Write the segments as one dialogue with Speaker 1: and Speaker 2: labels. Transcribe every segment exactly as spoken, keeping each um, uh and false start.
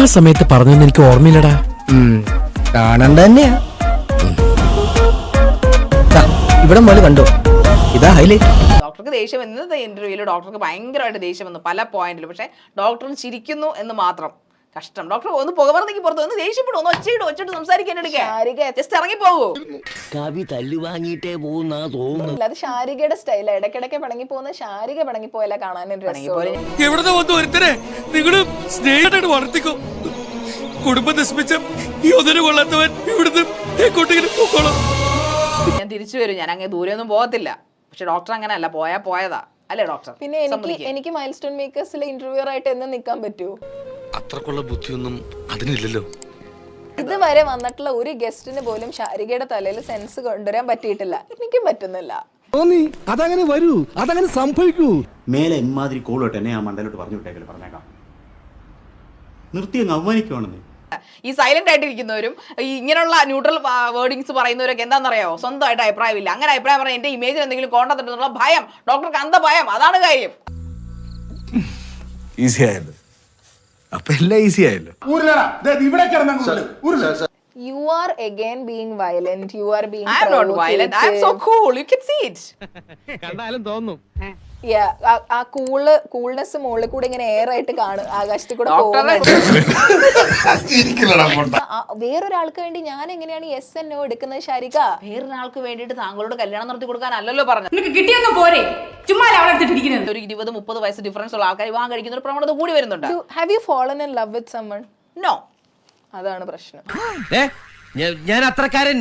Speaker 1: സമയത്ത് പറഞ്ഞൊന്നും എനിക്ക് ഓർമ്മയില്ലടാ.
Speaker 2: കാണണ്ട തന്നെയാ. ഇവിടെ പോലെ കണ്ടോ, ഇതാ ഹൈലൈറ്റ്.
Speaker 3: ഡോക്ടർക്ക് ദേഷ്യം ഇന്നത്തെ ഇന്റർവ്യൂവിൽ ഡോക്ടർക്ക് ഭയങ്കരമായിട്ട് ദേഷ്യം വന്നു പല പോയിന്റിലും. പക്ഷെ ഡോക്ടർ ചിരിക്കുന്നു എന്ന് മാത്രം. കഷ്ടം. ഡോക്ടർ ഒന്ന് പുകമറന്നേക്ക് പുറത്ത് ഒന്ന് ദേഷ്യപ്പെടും, ഒന്ന് ഒച്ചയിടും, ഒച്ചിട്ട് സംസാരിക്കാൻ എടുക്കുക. ജസ്റ്റ് ഇറങ്ങി പോകൂ.
Speaker 4: കവി തല്ലു വാങ്ങിയിട്ടേ പോകുന്ന തോന്നുന്നു.
Speaker 5: അത് ശാരികയുടെ സ്റ്റൈല. ഇടയ്ക്കിടയ്ക്ക് പിണങ്ങി പോകുന്ന ശാരിക പിണങ്ങി പോയാലേ കാണാൻ
Speaker 1: എവിടുന്ന് വന്നു ഒരുത്തരെ നിങ്ങള് സ്നേഹമായിട്ട് വളർത്തിക്കോ. കുടുംബം നശിപ്പിച്ച ഈ ഒന്നിനു കൊള്ളാത്തവൻ ഇവിടുന്ന് പോക്കോളാം.
Speaker 3: ഞാൻ തിരിച്ചു വരും. ഞാൻ അങ്ങനെ ദൂരെ ഒന്നും പോകത്തില്ല. പക്ഷെ ഡോക്ടർ അങ്ങനെയല്ല, പോയാ പോയതാ അല്ലേ ഡോക്ടർ?
Speaker 5: പിന്നെ എനിക്ക് എനിക്ക് മൈൽ സ്റ്റോൺ മേക്കേഴ്സിലെ ഇന്റർവ്യൂർ ആയിട്ട് എന്ന് നിൽക്കാൻ പറ്റൂ?
Speaker 6: അത്രക്കുള്ള ബുദ്ധിയൊന്നും അതിനില്ലല്ലോ.
Speaker 5: ഇതുവരെ വന്നിട്ടുള്ള ഒരു ഗസ്റ്റിന് പോലും ശാരികയുടെ തലയിൽ സെൻസ് കൊണ്ടുവരാൻ പറ്റിയിട്ടില്ല. എനിക്കും പറ്റുന്നില്ല.
Speaker 7: അതങ്ങനെ വരൂ, അതങ്ങനെ സംഭവിക്കൂ.
Speaker 8: മേലെ ഇമാതിരി കോളോട്ട് എന്നെ ആ മണ്ടലോട്ട് പറഞ്ഞു വിട്ടേക്കല് പറഞ്ഞേക്കാം. നിർത്തി അങ്ങ് അവമാനിക്കുവാണെന്ന്.
Speaker 3: ഈ സൈലന്റ് ആയിട്ടിരിക്കുന്നവരും ഈ ഇങ്ങനെയുള്ള ന്യൂട്രൽ വേർഡിങ്സ് പറയുന്നവരൊക്കെ എന്താണെന്നറിയാമോ? സ്വന്തമായിട്ട് അഭിപ്രായമില്ല. അങ്ങനെ അഭിപ്രായം പറഞ്ഞാൽ എന്റെ ഇമേജിൽ എന്തെങ്കിലും കോണ്ടത്തിട്ടുള്ള ഭയം. ഡോക്ടർക്ക് അന്ത ഭയം. അതാണ് കാര്യം.
Speaker 6: ഈസി ആയല്ലോ. അപ്പൊ എല്ലാം ഈസി ആയല്ലോ.
Speaker 5: You are again being violent. You are being
Speaker 3: I am not violent. I am so cool. You can see it.
Speaker 1: കണ്ടാലും തോന്നും.
Speaker 5: Yeah, ആ കൂള് കൂൾനെസ് മുകളിൽ കൂടെ ഇങ്ങനെ എയർ ആയിട്ട് കാണും, ആകാശത്തിൽ കൂടെ. വേറൊരാൾക്ക് വേണ്ടി ഞാൻ എങ്ങനെയാണ് യെസ് എന്നോ എടുക്കുന്നത് ശാരിക?
Speaker 3: വേറൊരാൾക്ക് വേണ്ടിയിട്ട് താങ്കളോട് കല്യാണം നടത്തി കൊടുക്കാനല്ലല്ലോ പറഞ്ഞത്. ഒരു ഇരുപത് മുപ്പത് വയസ്സ് ഡിഫറൻസ് ഉള്ള ആൾക്കാർ വിവാഹം കഴിക്കുന്ന ഒരു പ്രവണത കൂടി വരുന്നുണ്ട്.
Speaker 5: Have you fallen in love with someone?
Speaker 3: No.
Speaker 5: അതാണ് പ്രശ്നം.
Speaker 4: ഞാൻ അത്രക്കാരൻ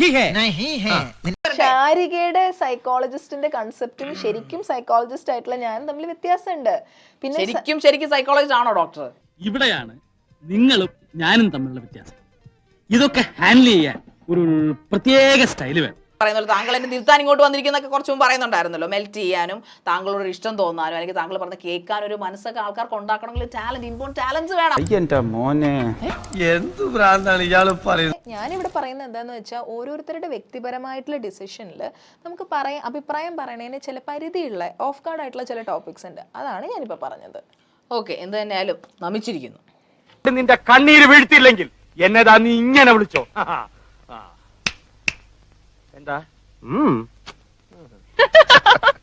Speaker 5: ശാരികയുടെ സൈക്കോളജിസ്റ്റിന്റെ കൺസെപ്റ്റും ശരിക്കും സൈക്കോളജിസ്റ്റ് ആയിട്ടുള്ള ഞാൻ തമ്മിൽ വ്യത്യാസമുണ്ട്. പിന്നെ
Speaker 3: ശരിക്കും ശരിക്കും സൈക്കോളജിസ്റ്റ് ആണോ ഡോക്ടർ?
Speaker 9: ഇവിടെയാണ് നിങ്ങളും ഞാനും തമ്മിലുള്ള വ്യത്യാസം. ഇതൊക്കെ ഹാൻഡിൽ ചെയ്യാൻ ഒരു പ്രത്യേക സ്റ്റൈല് വേണം.
Speaker 3: പറയുന്നത് താങ്കൾ എന്നെ തിരുത്താൻ ഇങ്ങോട്ട് വന്നിരിക്കുന്നൊക്കെ കുറച്ച് മുമ്പ് പറയുന്നുണ്ടായിരുന്നല്ലോ. മെൽറ്റ് ചെയ്യാനും താങ്കളോട് ഇഷ്ടം തോന്നാനും അല്ലെങ്കിൽ താങ്കൾ പറഞ്ഞ കേൾക്കാനും ഒരു മനസ്സൊക്കെ ആൾക്കാർക്ക് ഉണ്ടാക്കണമെങ്കിൽ ടാലന്റ്, ഇമ്പോർട്ടന്റ് ടാലന്റ്സ് വേണം.
Speaker 2: മോനെ
Speaker 6: എന്ത് ഭ്രാന്താണ് ഇയാള് പറയുന്നത്?
Speaker 5: ഞാനിവിടെ പറയുന്നത് എന്താന്ന് വെച്ചാൽ ഓരോരുത്തരുടെ വ്യക്തിപരമായിട്ടുള്ള ഡിസിഷനിൽ നമുക്ക് പറയാം, അഭിപ്രായം പറയണതിന് ചില പരിധിയുള്ള ഓഫ് ഗാർഡ് ആയിട്ടുള്ള ചില ടോപ്പിക്സ് ഉണ്ട്. അതാണ് ഞാനിപ്പോ പറഞ്ഞത്.
Speaker 3: ഓക്കെ, എന്ത് തന്നെയാലും നമിച്ചിരിക്കുന്നു.
Speaker 9: നിന്റെ കണ്ണീര് വീഴ്ത്തിയില്ലെങ്കിൽ എന്നതാ നീ ഇങ്ങനെ വിളിച്ചോ? എന്താ